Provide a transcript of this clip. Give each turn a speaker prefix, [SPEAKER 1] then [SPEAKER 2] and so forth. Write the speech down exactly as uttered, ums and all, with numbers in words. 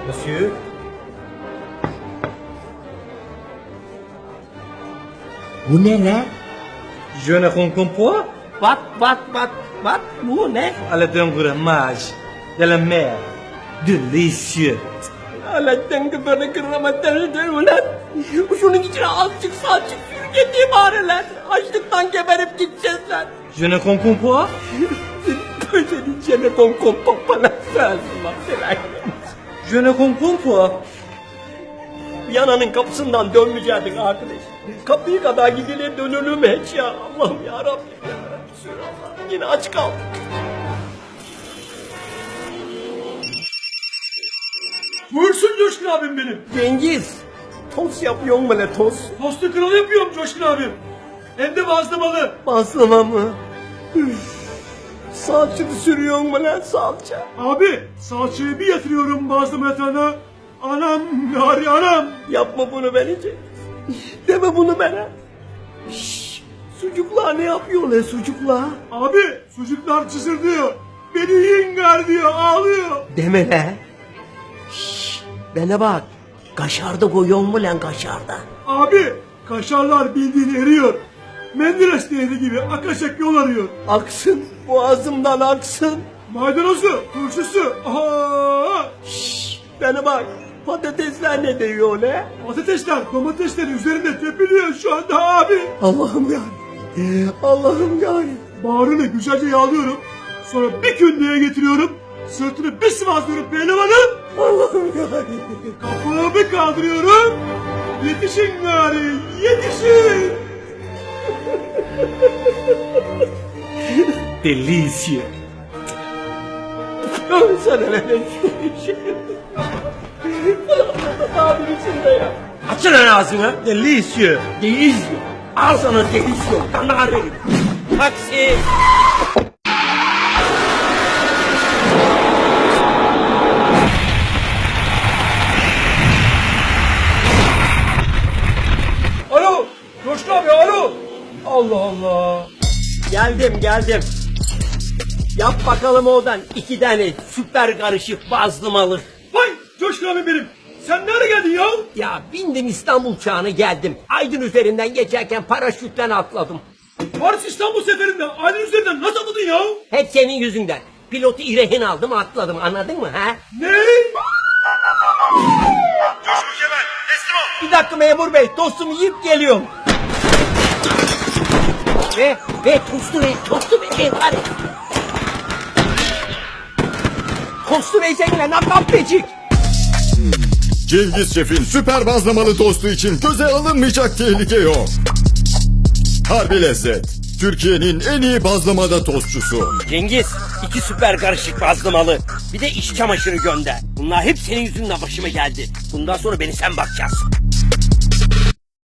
[SPEAKER 1] Monsieur?
[SPEAKER 2] Bu ne lan?
[SPEAKER 1] Je ne comprends pas.
[SPEAKER 2] Bak bak bak bak bu ne?
[SPEAKER 1] Aladdin fromage de la mer. Délicieux.
[SPEAKER 2] Aladdin kıvırı kıramadan ulan. Şunun içine azıcık salçık sürgeti bari lan. Açlıktan geberip gideceğiz lan.
[SPEAKER 1] Je ne comprends pas.
[SPEAKER 2] Senin içine kon kon topana sensin lan sen.
[SPEAKER 1] Je ne comprends pas.
[SPEAKER 2] Viyana'nın kapısından dönmeyecektik arkadaş. Kapıyı kadar gidilir dönülür mü hiç ya? Allah'ım ya Rabbim ya Resulallah. Yine aç kaldık.
[SPEAKER 3] Buyursun Coşkun abim benim.
[SPEAKER 2] Cengiz. Tost yapıyor mu le tost?
[SPEAKER 3] Tostu kralı yapıyorum Coşkun abim. Hem de bazlamalı.
[SPEAKER 2] Bazlama mı? Üf. Salçını sürüyor mu lan salça?
[SPEAKER 3] Abi salçayı bir yatırıyorum bazlama yatağına. Anam yari anam.
[SPEAKER 2] Yapma bunu beni Cengiz. Deme bunu bana. Şşş. Sucuklar ne yapıyor le sucuklar?
[SPEAKER 3] Abi sucuklar çısırdıyor. Beni yiyin gar diyor ağlıyor.
[SPEAKER 2] Deme le. Şşş. Bana bak. Kaşarda koyuyor mu lan kaşarda?
[SPEAKER 3] Abi kaşarlar bildiğin eriyor. Menderes nehri gibi akaşak yol arıyor.
[SPEAKER 2] Aksın. Boğazımdan aksın.
[SPEAKER 3] Maydanozu, turşusu. Aha!
[SPEAKER 2] Şşş. Bana bak. Patatesler ne diyor le?
[SPEAKER 3] Patatesler, domatesler üzerinde tepiliyor şu anda abi.
[SPEAKER 2] Allah'ım ya. Allah'ım ya.
[SPEAKER 3] Bağrını güzelce yağlıyorum. Sonra bir kündeye getiriyorum. Sırtını bir sıvazlıyorum pehlivanım.
[SPEAKER 2] Allah'ım ya.
[SPEAKER 3] Kapağı bir kaldırıyorum. Yetişin gari, yetişin.
[SPEAKER 1] Délicieux.
[SPEAKER 2] Sana ne şu işi. Abim içinde ya. Açın lan ağzını.
[SPEAKER 1] Délicieux.
[SPEAKER 2] Delizyo. Al sana delizyo. Kanar herif. Taksi.
[SPEAKER 3] Alo, Coşkun abi alo. Allah Allah.
[SPEAKER 2] Geldim geldim. Yap bakalım oradan iki tane süper karışık bazlamalı.
[SPEAKER 3] Vay Coşkun abi benim. Sen nereye geldin ya?
[SPEAKER 2] Ya bindim İstanbul çağına geldim. Aydın üzerinden geçerken paraşütten atladım.
[SPEAKER 3] Paris İstanbul seferinden aile üzerinden nasıl atladın ya?
[SPEAKER 2] Hep senin yüzünden. Pilotu İrehin aldım atladım anladın mı ha?
[SPEAKER 3] Ne?
[SPEAKER 4] Coşkun Kemal teslim ol.
[SPEAKER 2] Bir dakika memur bey tostumu yiyip geliyorum. Ve ve tostu ve tostu ve ve hadi. Tostu ve seninle nakaplecik.
[SPEAKER 5] Cengiz Şef'in süper bazlamalı tostu için göze alınmayacak tehlike yok. Harbi lezzet. Türkiye'nin en iyi bazlamada tostçusu.
[SPEAKER 2] Cengiz iki süper karışık bazlamalı. Bir de iç çamaşırı gönder. Bunlar hep senin yüzünden başıma geldi. Bundan sonra beni sen bakacaksın.